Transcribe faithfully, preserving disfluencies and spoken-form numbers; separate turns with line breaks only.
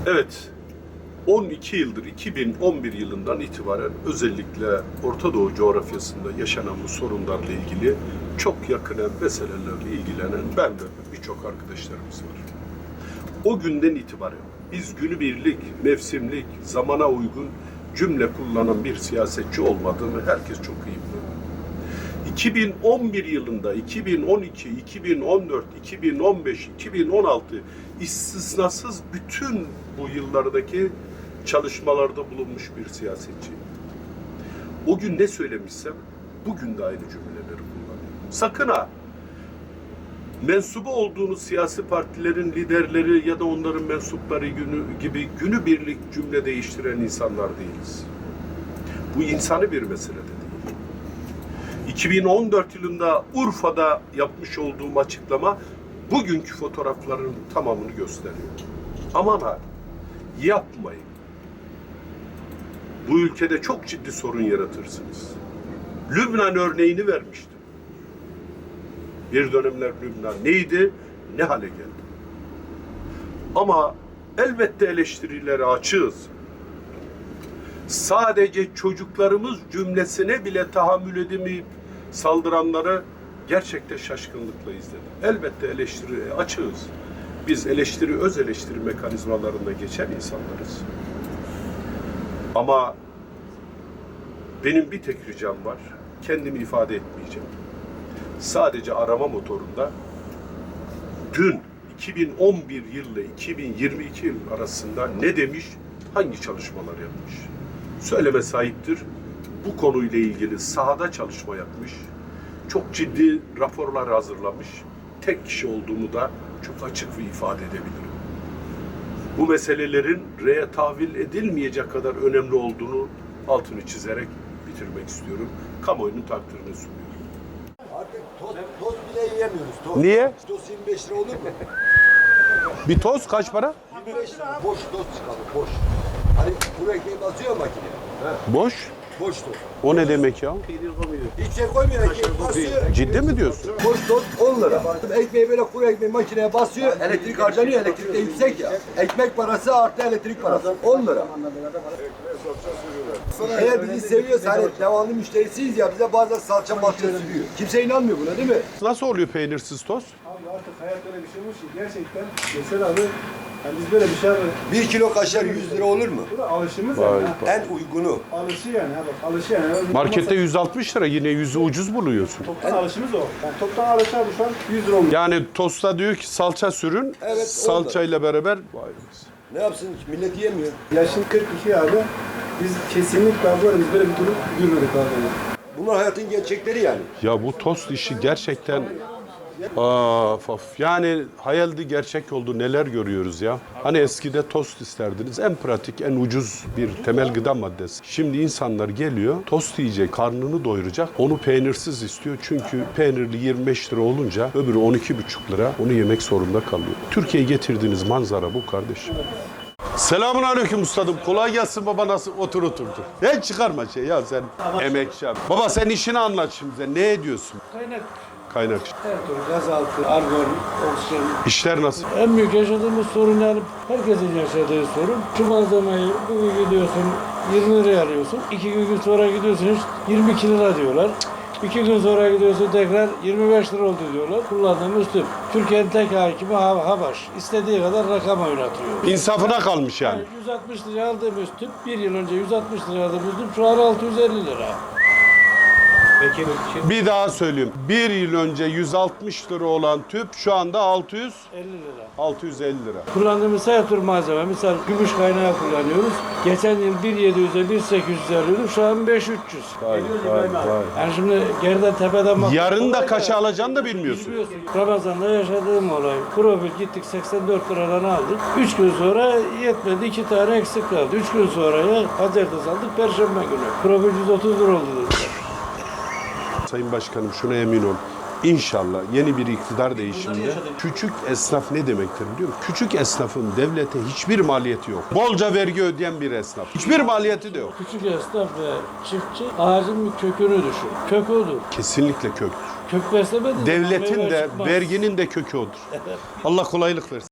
Evet, on iki yıldır, iki bin on bir yılından itibaren özellikle Orta Doğu coğrafyasında yaşanan bu sorunlarla ilgili çok yakinen meselelerle ilgilenen ben ve birçok arkadaşlarımız var. O günden itibaren biz günübirlik, mevsimlik, zamana uygun cümle kullanan bir siyasetçi olmadığını herkes çok iyi biliyor. iki bin on bir yılında, iki bin on iki, iki bin on dört, iki bin on beş, iki bin on altı istisnasız bütün bu yıllardaki çalışmalarda bulunmuş bir siyasetçi. O gün ne söylemişsem bugün de aynı cümleleri kullanıyorum. Sakın ha! Mensubu olduğunuz siyasi partilerin liderleri ya da onların mensupları günü, gibi günübirlik cümle değiştiren insanlar değiliz. Bu insani bir mesele de değil. iki bin on dört yılında Urfa'da yapmış olduğum açıklama bugünkü fotoğrafların tamamını gösteriyor. Aman ha, yapmayın. Bu ülkede çok ciddi sorun yaratırsınız. Lübnan örneğini vermiştim. Bir dönemler Lübnan neydi, ne hale geldi. Ama elbette eleştirilere açığız. Sadece çocuklarımız cümlesine bile tahammül edemeyip saldıranları gerçekten şaşkınlıkla izledim. Elbette eleştiri açığız. Biz eleştiri, öz eleştiri mekanizmalarında geçen insanlarız. Ama benim bir tek ricam var, kendimi ifade etmeyeceğim. Sadece arama motorunda dün iki bin on bir yıl ile iki bin yirmi iki yıl arasında ne demiş, hangi çalışmalar yapmış? Söyleme sahiptir. Bu konuyla ilgili sahada çalışma yapmış. Çok ciddi raporlar hazırlamış. Tek kişi olduğunu da çok açık ve ifade edebilirim. Bu meselelerin reye tahvil edilmeyecek kadar önemli olduğunu altını çizerek bitirmek istiyorum. Kamuoyunun takdirini sunuyorum.
Artık toz, toz bile yiyemiyoruz. Toz.
Niye?
Toz yirmi beş lira olur mu?
Bir toz kaç para?
yirmi beş lira. Boş toz çıkalım, boş. Hani kuru ekmeği basıyor makine. He.
Boş.
Boş toz.
O ne demek ya?
Hiç şey koymuyor, ekmeği basıyor.
Ciddi mi diyorsun?
Boş toz on lira. Ekmeği böyle kuru ekmeği makineye basıyor, elektrik harcanıyor, elektrik de yüksek ya. Ekmek parası artı elektrik parası on lira. Eğer bizi seviyorsa hani devamlı müşterisiyiz ya bize bazen salça malça sürüyor. Kimse inanmıyor buna değil mi?
Nasıl oluyor peynirsiz toz?
Abi artık hayat öyle bir şey olmuş ki gerçekten mesela abi yani biz böyle bir şey abi
Bir kilo kaşar yüz lira olur mu?
bu da alışımız
Vay
yani.
be.
Ha.
En uygunu.
Alışı yani ha bak alışı yani.
Markette yüz altmış lira, yine yüzü ucuz buluyorsun.
Toptan alışımız o. Yani toptan alış abi şu an yüz lira olmuş.
Yani tosta diyor ki salça sürün,
Evet,
salçayla beraber. Vay be.
Ne yapsın millet yiyemiyor.
Yaşın kırk iki abi. Biz kesinlikle abi böyle biz böyle bir durum görmedik abi.
Bunlar hayatın gerçekleri yani.
Ya bu tost işi gerçekten Of, of. Yani hayaldi gerçek oldu, neler görüyoruz ya. Hani eskide tost isterdiniz, en pratik, en ucuz bir temel gıda maddesi. Şimdi insanlar geliyor, tost yiyecek, karnını doyuracak, onu peynirsiz istiyor. Çünkü peynirli yirmi beş lira olunca öbürü on iki buçuk lira, onu yemek zorunda kalıyor. Türkiye'ye getirdiğiniz manzara bu kardeşim. Selamun aleyküm ustadım. Kolay gelsin baba, nasıl otur otur. otur. Hiç çıkarma şey ya sen emekçi abi. Baba sen işini anlat şimdi, sen ne ediyorsun?
Kaynak,
Kaynak.
her türlü gazaltı, argon, oksijen.
İşler nasıl?
En büyük yaşadığımız sorun yani herkesin yaşadığı sorun. Şu malzemeyi bugün gidiyorsun yirmi liraya alıyorsun. İki gün sonra gidiyorsun yirmi iki lira diyorlar. İki gün sonra gidiyorsun tekrar yirmi beş lira oldu diyorlar. Kullandığımız tüp. Türkiye'nin tek hakimi Habaş. İstediği kadar rakam oynatıyor.
İnsafına kalmış yani.
Yani yüz altmış liraya aldığımız tüp, bir yıl önce yüz altmış liraya aldığımız tüp şu an altı yüz elli lira.
Peki
Bir daha söyleyeyim. Bir yıl önce yüz altmış lira olan tüp şu anda altı yüz
elli lira.
altı yüz elli lira.
Kullandığımız her tür malzeme, misal gümüş kaynağı kullanıyoruz. Geçen yıl bin yedi yüze bin sekiz yüze alıyorduk, şu an beş bin üç yüz.
Vay vay vay.
Yani şimdi geriden tepeden bak.
Yarın da kaça alacağını da bilmiyorsun.
Bilmiyorsun. Ramazan'da yaşadığım olay. Profil gittik seksen dört liradan aldık. üç gün sonra yetmedi, iki tane eksik kaldı. üç gün sonra ya pazartesi aldık, perşembe günü. Profil yüz otuz lira oldu dediler.
Sayın Başkanım şuna emin ol. İnşallah yeni bir iktidar değişiminde küçük esnaf ne demektir biliyor musun? Küçük esnafın devlete hiçbir maliyeti yok. Bolca vergi ödeyen bir esnaf. Hiçbir maliyeti de yok.
Küçük esnaf ve çiftçi ağacın bir kökünü düşün. Kök odur.
Kesinlikle köktür.
Kök beslemedi.
Devletin
meyve
de
çıkmaz.
verginin de kökü odur. Allah kolaylık versin.